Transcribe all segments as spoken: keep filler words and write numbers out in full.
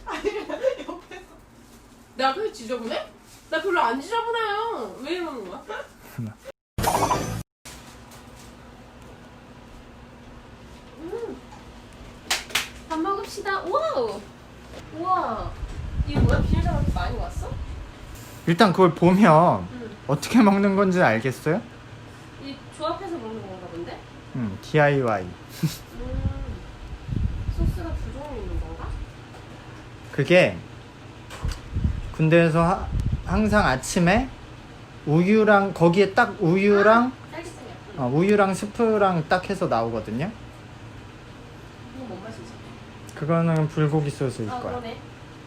아니 옆에서. 내가 그게 지저분해? 나 별로 안 지저분해요. 왜 이러는 거야? 음. 밥 먹읍시다. 와우. 우와. 이거 뭐야? 비닐장 이렇게 많이 왔어? 일단 그걸 보면 응. 어떻게 먹는 건지 알겠어요? 이 조합해서 먹는 건가 본데? 음, 디아이와이. 음. 소스가 두 종류 있는 건가? 그게 군대에서 하, 항상 아침에 우유랑 거기에 딱 우유랑 딸기잼이야. 응. 어, 우유랑 스프랑 딱 해서 나오거든요. 이거 뭔 맛이지? 그거는 불고기 소스일 아 거야. 그러네.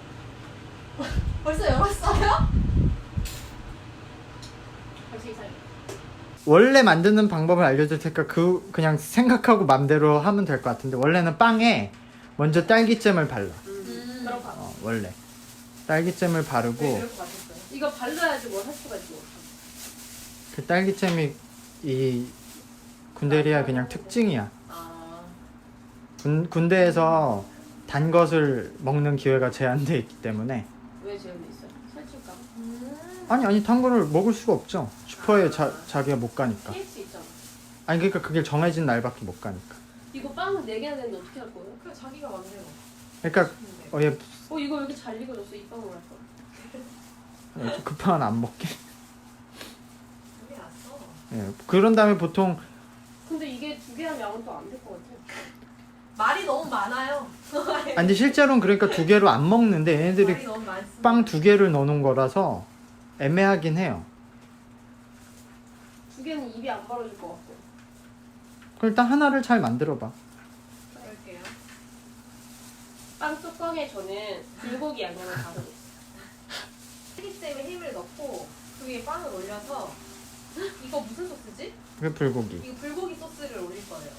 벌써 열었어요? 벌써 이상해. 원래 만드는 방법을 알려줄 테니까 그 그냥 생각하고 맘대로 하면 될 것 같은데 원래는 빵에 먼저 딸기잼을 발라. 음. 그런 거. 어, 원래 딸기잼을 바르고 네, 그럴 것 같았어요. 이거 발라야지 뭘 할 수가 있고. 그 딸기잼이 이 군대리아 그냥 특징이야. 아. 군, 군대에서 단 것을 먹는 기회가 제한돼 있기 때문에 왜 제한돼 있어요? 살찔까? 음. 아니 아니 단 거를 먹을 수가 없죠. 슈퍼에 자, 자기가 못 가니까. 케이스 있잖아. 아니 그러니까 그게 정해진 날밖에 못 가니까. 이거 빵 네 개나 되는데 어떻게 할 거예요? 그 자기가 만들어. 그러니까 어, 얘 어 이거 왜 이렇게 잘 익어졌어? 이 빵을 할 거야. 급한 안 먹게. 여기 왔어. 예, 그런 다음에 보통 근데 이게 두 개 하면 양은 또 안 될 것 같아. 말이 너무 많아요. 아니 근데 실제로는 그러니까 두 개로 안 먹는데 말이 얘네들이 너무 많습니다. 빵 두 개를 넣어놓은 거라서 애매하긴 해요. 두 개는 입이 안 벌어질 것 같고. 그럼 일단 하나를 잘 만들어봐. 그럴게요. 빵 뚜껑에 저는 불고기 양념을 바르고 있어요. 딸기잼에 힘을 넣고 그 위에 빵을 올려서 이거 무슨 소스지? 그게 불고기. 이거 불고기 소스를 올릴 거예요.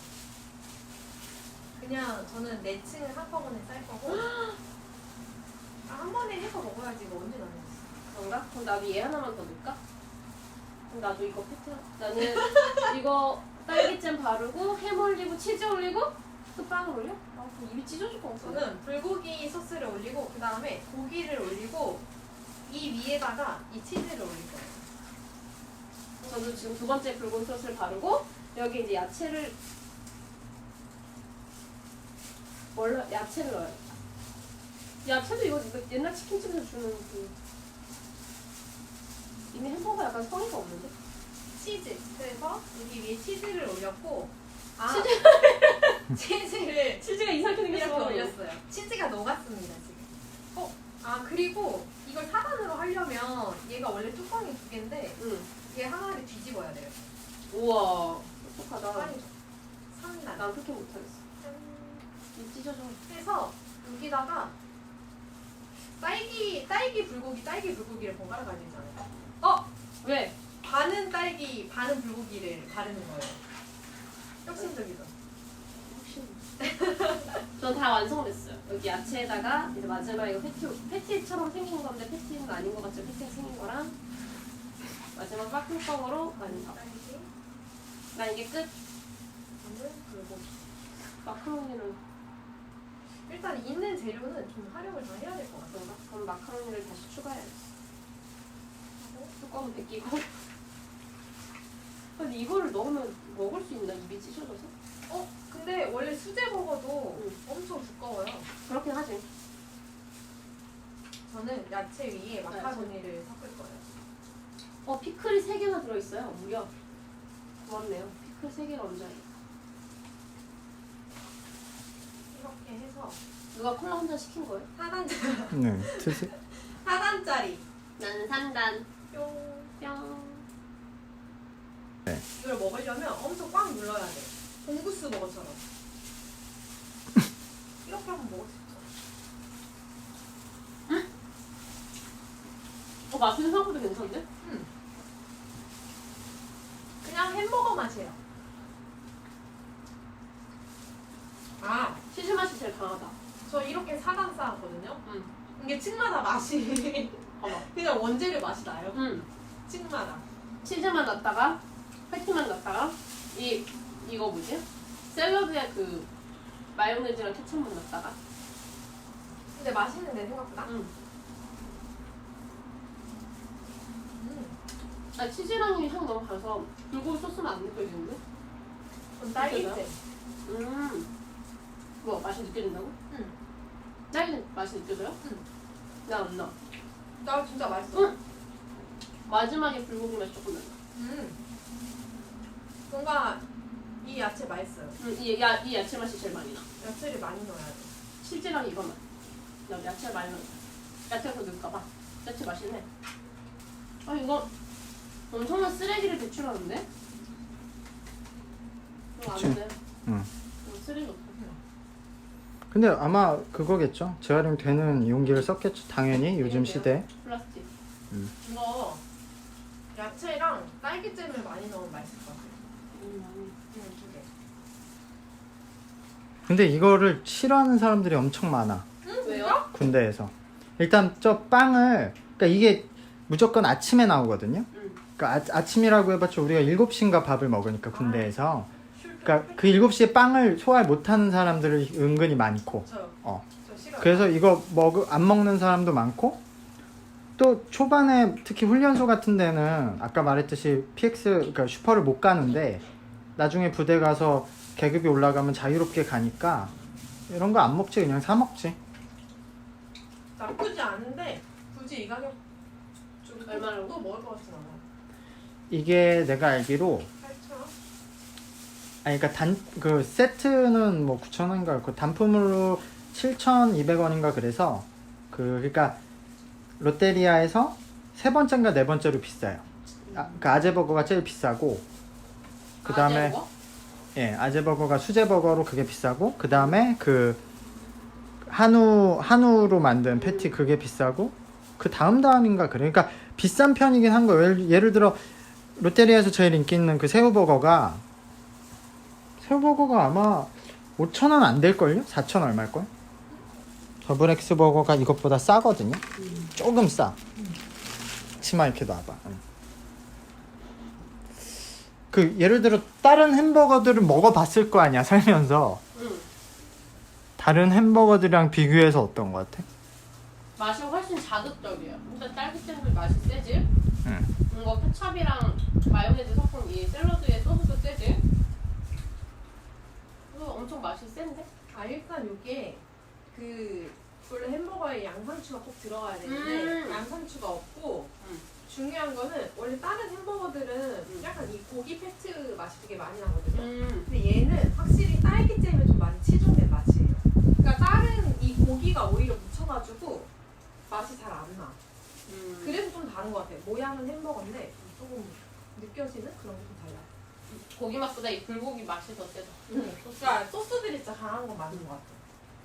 그냥 저는 네 층을 한꺼번에 쌀 거고 아, 한 번에 해서 먹어야지 이거 언제 나눠 그런가? 그럼 나도 얘 하나만 더 넣을까? 그럼 나도 이거 패트 나는 이거 딸기잼 바르고 햄 올리고 치즈 올리고 또 빵을 올려? 아 그럼 입이 찢어질 것 같아. 저는 불고기 소스를 올리고 그 다음에 고기를 올리고 이 위에다가 이 치즈를 올릴 거예요. 저도 지금 두 번째 불고기 소스를 바르고 여기 이제 야채를 뭘 넣- 야채를 넣어요. 야채도 이거, 이거 옛날 치킨집에서 주는 그 이미 햄버거 약간 성의가 없는데? 치즈. 그래서 여기 위에 치즈를 올렸고 아 치즈? 치즈를 치즈가 이상하게 이렇게 생겼어. 올렸어요. 치즈가 녹았습니다 지금. 어? 아 그리고 이걸 사 단으로 하려면 얘가 원래 뚜껑이 두 개인데 응. 얘 하나를 뒤집어야 돼요. 우와 똑똑하다. 빨리 삼 단. 난 그렇게 못하겠어. 입 찢어져. 해서 여기다가 딸기 딸기 불고기 딸기 불고기를 번갈아 가야 되잖아요. 어? 왜? 반은 딸기 반은 불고기를 바르는 거예요. 혁신적이죠. 혹시 전 다 완성됐어요. 여기 야채에다가 이제 마지막 이거 패티 패티처럼 생긴 건데 패티는 아닌 것 같죠? 패티가 생긴 거랑 마지막 빡뚜껑으로 완성. 딸기 나 이게 끝. 반은 불고기. 마카로니는 일단 있는 재료는 좀 활용을 더 해야 될 것 같아요. 그런가? 그럼 마카로니를 다시 추가해야지. 하고 뚜껑은 벗기고. 근데 이거를 넣으면 먹을 수 있나? 입이 찢어져서? 어? 근데 원래 수제 버거도 응. 엄청 두꺼워요. 그렇긴 하지. 저는 야채 위에 마카로니를 섞을 거예요. 어 피클이 세 개나 들어있어요. 무려. 고맙네요. 피클 세 개가 언제예요? 이렇게 해서 누가 콜라 한 잔 시킨 거예요? 사 단 네, 드세. 사 단짜리 나는 삼 단. 뿅. 뿅. 이걸 먹으려면 엄청 꽉 눌러야 돼. 봉구스 버거처럼. 이렇게 하면 먹을 수 있죠. 어 맛은 생각보다 괜찮은데? 음. 그냥 햄버거 맛이에요. 아, 치즈 맛이 제일 강하다. 저 이렇게 사 단 쌓았거든요. 응. 이게 층마다 맛이 봐봐. 그냥 원재료 맛이 나요. 응. 층마다. 치즈만 넣었다가 패티만 넣었다가 이 이거 뭐지? 샐러드에 그 마요네즈랑 케첩만 넣었다가 근데 맛있는데 생각보다. 응. 음. 아 치즈랑 향 너무 강해서 불고기 소스는 안 느껴지는데? 그럼 딸기잼. 음. 뭐 맛이 느껴진다고? 응. 딸기 맛이 느껴져요? 응. 나안 나. 나 진짜 맛있어. 응. 마지막에 불고기 맛이 조금 나. 음. 뭔가 이 야채 맛있어요. 음, 이, 야, 이 야채 맛이 제일 많이 나. 야채를 많이 넣어야 돼. 치즈랑 이거만. 나 야채 많이 넣어. 야채가 더 넣을까봐. 야채 맛있네. 아 이거 엄청난 쓰레기를 배출하는데? 이거 그치. 안 돼. 응. 이거 쓰레기 없어. 근데 아마 그거겠죠. 재활용되는 용기를 썼겠죠. 당연히 요즘 시대. 플라스틱. 이거 야채랑 딸기잼을 많이 넣으면 맛있을 것 같아요. 음, 많이. 응, 두 개. 근데 이거를 싫어하는 사람들이 엄청 많아. 응? 왜요? 군대에서. 일단 저 빵을 그러니까 이게 무조건 아침에 나오거든요. 응. 그러니까 아, 아침이라고 해봤자 우리가 일곱 시인가 밥을 먹으니까 군대에서. 술 그러니까 그 일곱 시에 빵을 소화를 못하는 사람들이 은근히 많고. 저요. 어. 저 싫어요. 그래서 이거 먹, 안 먹는 사람도 많고 또 초반에 특히 훈련소 같은 데는 아까 말했듯이 피엑스 그러니까 슈퍼를 못 가는데 나중에 부대 가서 계급이 올라가면 자유롭게 가니까 이런 거 안 먹지 그냥 사 먹지. 나쁘지 않은데 굳이 이 가격 좀 얼마라고? 또 먹을 것 같진 않아. 이게 내가 알기로 팔천 원? 아니 그러니까 단 그 세트는 뭐 구천 원인가 그 단품으로 칠천이백 원인가 그래서 그 그러니까 롯데리아에서 세 번째인가 네 번째로 비싸요. 아, 그 아재버거가 제일 비싸고 그 다음에 아재 먹어? 예 아재버거가 수제버거로 그게 비싸고 그 다음에 그 한우 한우로 만든 패티 그게 비싸고 그 다음 다음인가 그래. 그러니까 비싼 편이긴 한 거예요. 예를, 예를 들어 롯데리아에서 제일 인기 있는 그 새우버거가 새우버거가 아마 오천 원 안 될걸요? 사천 얼마일걸? 더블엑스 버거가 이것보다 싸거든요. 음. 조금 싸. 치마 이렇게 놔봐. 응. 그 예를 들어 다른 햄버거들을 먹어봤을 거 아니야 살면서. 응. 다른 햄버거들이랑 비교해서 어떤 거 같아? 맛이 훨씬 자극적이에요. 일단 딸기잼도 맛이 세지. 응. 이거 케찹이랑 마요네즈 섞은 이 샐러드의 소스도 세지. 이거 엄청 맛이 센데? 아 일단 이게 그 원래 햄버거에 양상추가 꼭 들어가야 되는데 음. 양상추가 없고 음. 중요한 거는 원래 다른 햄버거들은 음. 약간 이 고기 패트 맛이 되게 많이 나거든요. 음. 근데 얘는 확실히 딸기잼에 좀 많이 치중된 맛이에요. 그러니까 다른 이 고기가 오히려 묻혀가지고 맛이 잘 안 나. 음. 그래서 좀 다른 것 같아요. 모양은 햄버거인데 조금 느껴지는 그런 게 좀 달라요. 고기 맛보다 이 불고기 맛이 더 세다. 음. 그러니까 소스들이 진짜 강한 건 맞는 것 같아요.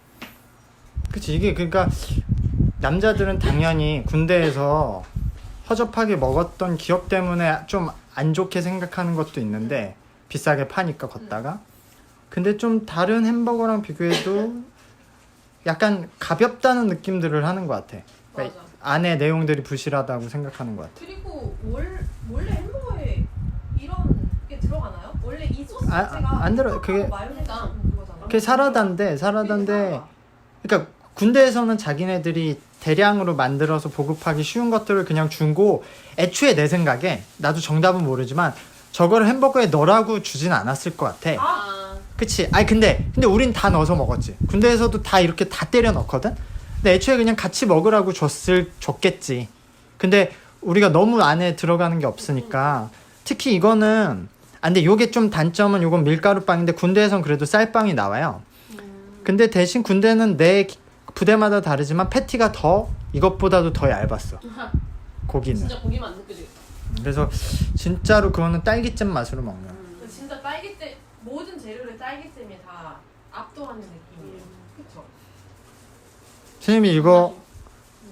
그치 이게 그러니까 남자들은 당연히 군대에서 허접하게 먹었던 기억 때문에 좀 안 좋게 생각하는 것도 있는데 비싸게 파니까 걷다가 근데 좀 다른 햄버거랑 비교해도 약간 가볍다는 느낌들을 하는 것 같아. 그러니까 맞아. 안에 내용들이 부실하다고 생각하는 것 같아. 그리고 월, 원래 햄버거에 이런 게 들어가나요? 원래 이 소스 아, 자체가 안 들어요. 그게- 마요네즈 같은 그거잖아. 그게 사라다인데 사라다인데 사라다. 그러니까 군대에서는 자기네들이 대량으로 만들어서 보급하기 쉬운 것들을 그냥 주고 애초에 내 생각에 나도 정답은 모르지만 저거를 햄버거에 넣으라고 주진 않았을 것 같아. 아. 그치? 아니 근데 근데 우린 다 넣어서 먹었지. 군대에서도 다 이렇게 다 때려 넣거든. 근데 애초에 그냥 같이 먹으라고 줬을 줬겠지. 근데 우리가 너무 안에 들어가는 게 없으니까 특히 이거는 아 근데 요게 좀 단점은 요건 밀가루 빵인데 군대에선 그래도 쌀빵이 나와요. 음. 근데 대신 군대는 내 부대마다 다르지만 패티가 더 이것보다도 더 얇았어. 고기는. 진짜 고기만 안 느껴지겠다. 그래서 진짜로 그거는 딸기잼 맛으로 먹는. 음. 진짜 딸기잼 모든 재료를 딸기잼이 다 압도하는 느낌이에요. 음. 그쵸? 선생님이 이거 음.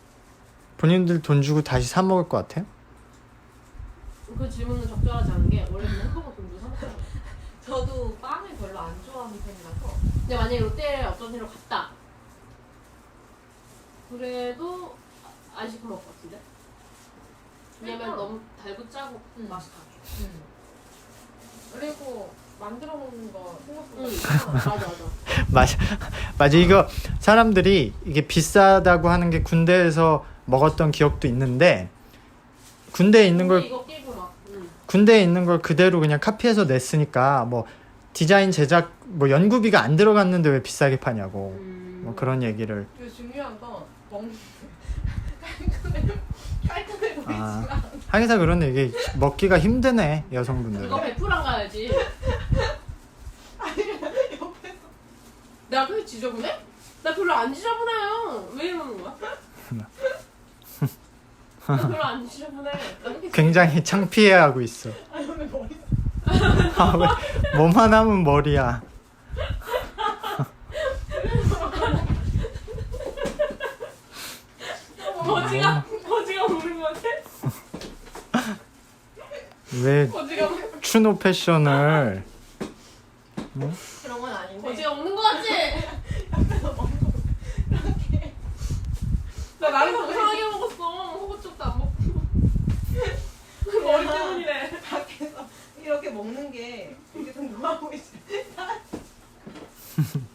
본인들 돈 주고 다시 사 먹을 것 같아요? 그 질문은 적절하지 않은 게 원래 햄버거 돈 주고 사 먹잖아. 저도 빵을 별로 안 좋아하는 편이라서 근데 만약에 롯데에 어떤 데로 갔다. 그래도 안 시켜 먹을 것 같은데? 왜냐면 그러니까. 너무 달고 짜고 음. 맛이 다. 음. 그리고 만들어 먹는 거 생각보다 응. 비싸. 맞아 맞아. 맞아 맞아 이거 사람들이 이게 비싸다고 하는 게 군대에서 먹었던 기억도 있는데 군대에 있는 걸 이거 끼고 막. 응. 군대에 있는 걸 그대로 그냥 카피해서 냈으니까 뭐 디자인 제작 뭐 연구비가 안 들어갔는데 왜 비싸게 파냐고 음. 뭐 그런 얘기를 그리고 중요한 건 먹는 깔끔해 깔끔해 보이지 아. 않아. 하기사 그런데 이게 먹기가 힘드네 여성분들. 그거 베프랑 가야지. 옆에서 내가 그게 지저분해? 나 별로 안 지저분해요. 왜 이러는 거야? 나 별로 안 지저분해. 나 그렇게 굉장히 창피해하고 있어. 아니 왜 머리 아, 왜 뭐만 하면 머리야. 거지가 거지가 먹는 거 같아? 왜 거지가 먹- 추노 패션을 그런 건 아닌데 거지가 먹는 거 같지? 옆에서 먹는 거 이렇게 나 나름 정상하게 먹었어. 호구쪽도 안 먹고. 머리 때문이래. 밖에서 이렇게 먹는 게 되게 좀 노아 보이지.